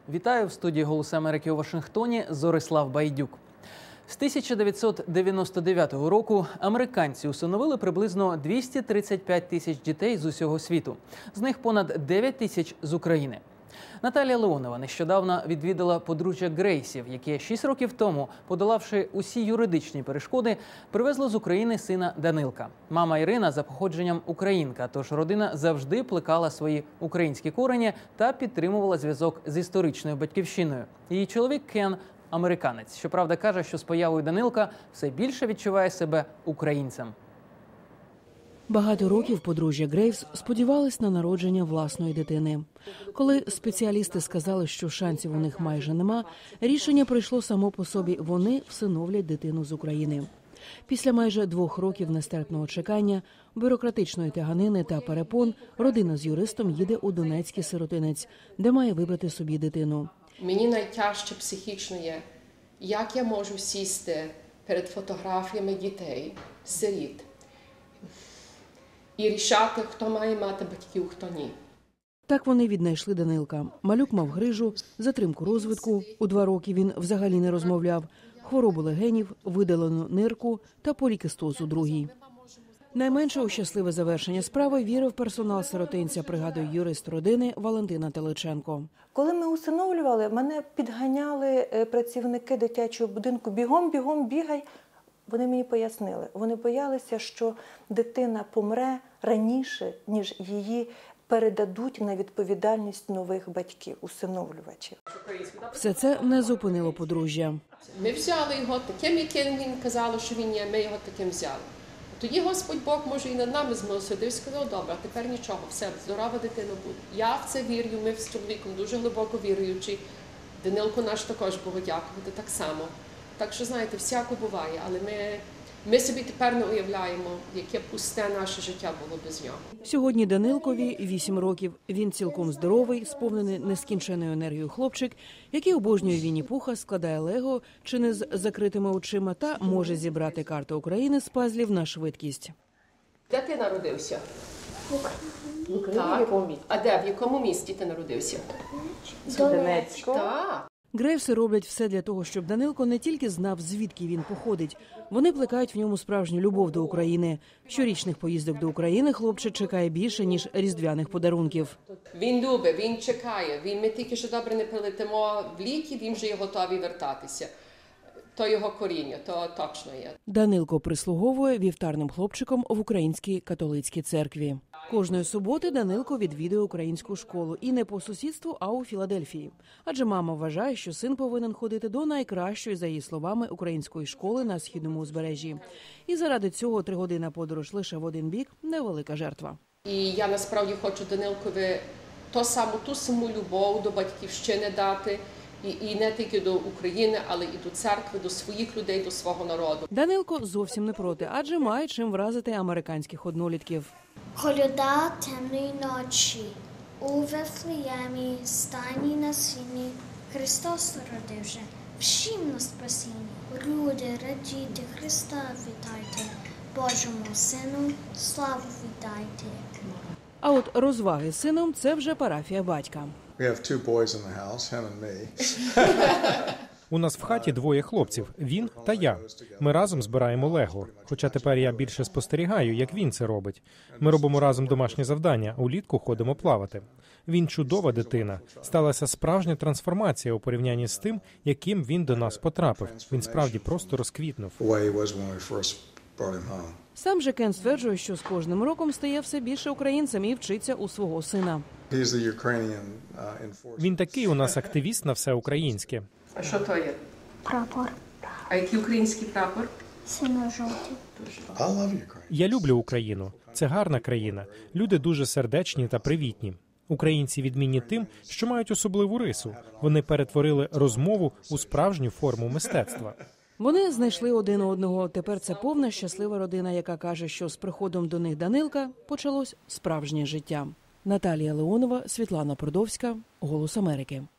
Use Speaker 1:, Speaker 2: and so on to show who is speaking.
Speaker 1: Вітаю в студії «Голос Америки» у Вашингтоні. Зорислав Байдюк. З 1999 року американці усиновили приблизно 235 тисяч дітей з усього світу. З них понад 9 тисяч з України. Наталія Леонова нещодавно відвідала подружжя Грейсів, яке 6 років тому, подолавши усі юридичні перешкоди, привезло з України сина Данилка. Мама Ірина за походженням українка, тож родина завжди плекала свої українські корені та підтримувала зв'язок з історичною батьківщиною. Її чоловік Кен – американець. Щоправда, каже, що з появою Данилка все більше відчуває себе українцем.
Speaker 2: Багато років подружжя Грейвс сподівались на народження власної дитини. Коли спеціалісти сказали, що шансів у них майже нема, рішення прийшло само по собі – вони всиновлять дитину з України. Після майже 2 років нестерпного чекання, бюрократичної тяганини та перепон, родина з юристом їде у Донецький сиротинець, де має вибрати собі дитину.
Speaker 3: Мені найтяжче психічно є, як я можу сісти перед фотографіями дітей, сиріт, і рішати, хто має мати батьків, хто ні.
Speaker 2: Так вони віднайшли Данилка. Малюк мав грижу, затримку розвитку, у 2 роки він взагалі не розмовляв, хворобу легенів, видалену нирку та полікистоз у 2-й. Найменше у щасливе завершення справи вірив персонал сиротинця, пригадує юрист родини Валентина Теличенко.
Speaker 4: Коли ми усиновлювали, мене підганяли працівники дитячого будинку: бігом, бігом, бігай. Вони мені пояснили, вони боялися, що дитина помре раніше, ніж її передадуть на відповідальність нових батьків, усиновлювачів.
Speaker 2: Все це не зупинило подружжя.
Speaker 3: Ми взяли його таким, яким він казав, що він є, ми його таким взяли. Тоді Господь Бог, може, і над нами змилосердив і сказав: добре, а тепер нічого, все, здорова дитина буде. Я в це вірю, ми з чоловіком дуже глибоко віруючі. Данилку наш також Богу дякувати, так само. Так що, знаєте, всяко буває, але ми собі тепер не уявляємо, яке пусте наше життя було без нього.
Speaker 2: Сьогодні Данилкові 8 років. Він цілком здоровий, сповнений нескінченною енергією хлопчик, який обожнює Вінні-Пуха, складає лего чи не з закритими очима та може зібрати карту України з пазлів на швидкість.
Speaker 3: Де ти народився? В Україні. А де, в якому місті ти народився?
Speaker 4: Донецьку.
Speaker 3: Так.
Speaker 2: Грейвси роблять все для того, щоб Данилко не тільки знав, звідки він походить. Вони плекають в ньому справжню любов до України. Щорічних поїздок до України хлопчик чекає більше, ніж різдвяних подарунків.
Speaker 3: Він любить, він чекає. Ми тільки що добре не прилетимо в ліки, він вже є готовий вертатися. То його коріння, то точно є.
Speaker 2: Данилко прислуговує вівтарним хлопчиком в Українській католицькій церкві. Кожної суботи Данилко відвідує українську школу. І не по сусідству, а у Філадельфії. Адже мама вважає, що син повинен ходити до найкращої, за її словами, української школи на східному узбережжі. І заради цього 3-годинна подорож лише в один бік – невелика жертва.
Speaker 3: І я насправді хочу Данилкові ту саму любов до батьківщини дати. І не тільки до України, але і до церкви, до своїх людей, до свого народу.
Speaker 2: Данилко зовсім не проти, адже має чим вразити американських однолітків.
Speaker 5: Коляда темної ночі, у Вифлеємі, стайні на сіні, Христос народився, всім на спасінні. Люди, радійте, Христа вітайте, Божому Сину славу віддайте.
Speaker 2: А от розваги з сином – це вже парафія батька.
Speaker 6: У нас в хаті 2 хлопців – він та я. Ми разом збираємо лего. Хоча тепер я більше спостерігаю, як він це робить. Ми робимо разом домашні завдання, улітку ходимо плавати. Він чудова дитина. Сталася справжня трансформація у порівнянні з тим, яким він до нас потрапив. Він справді просто розквітнув.
Speaker 2: Сам же Кен стверджує, що з кожним роком стає все більше українцем і вчиться у свого сина.
Speaker 6: Він такий у нас активіст на все українське.
Speaker 3: А що то є?
Speaker 5: Прапор.
Speaker 3: А який український прапор?
Speaker 5: Синьо-жовтий.
Speaker 6: Я люблю Україну. Це гарна країна. Люди дуже сердечні та привітні. Українці відмінні тим, що мають особливу рису. Вони перетворили розмову у справжню форму мистецтва.
Speaker 2: Вони знайшли один одного. Тепер це повна щаслива родина, яка каже, що з приходом до них Данилка почалось справжнє життя. Наталія Леонова, Світлана Продовська, «Голос Америки».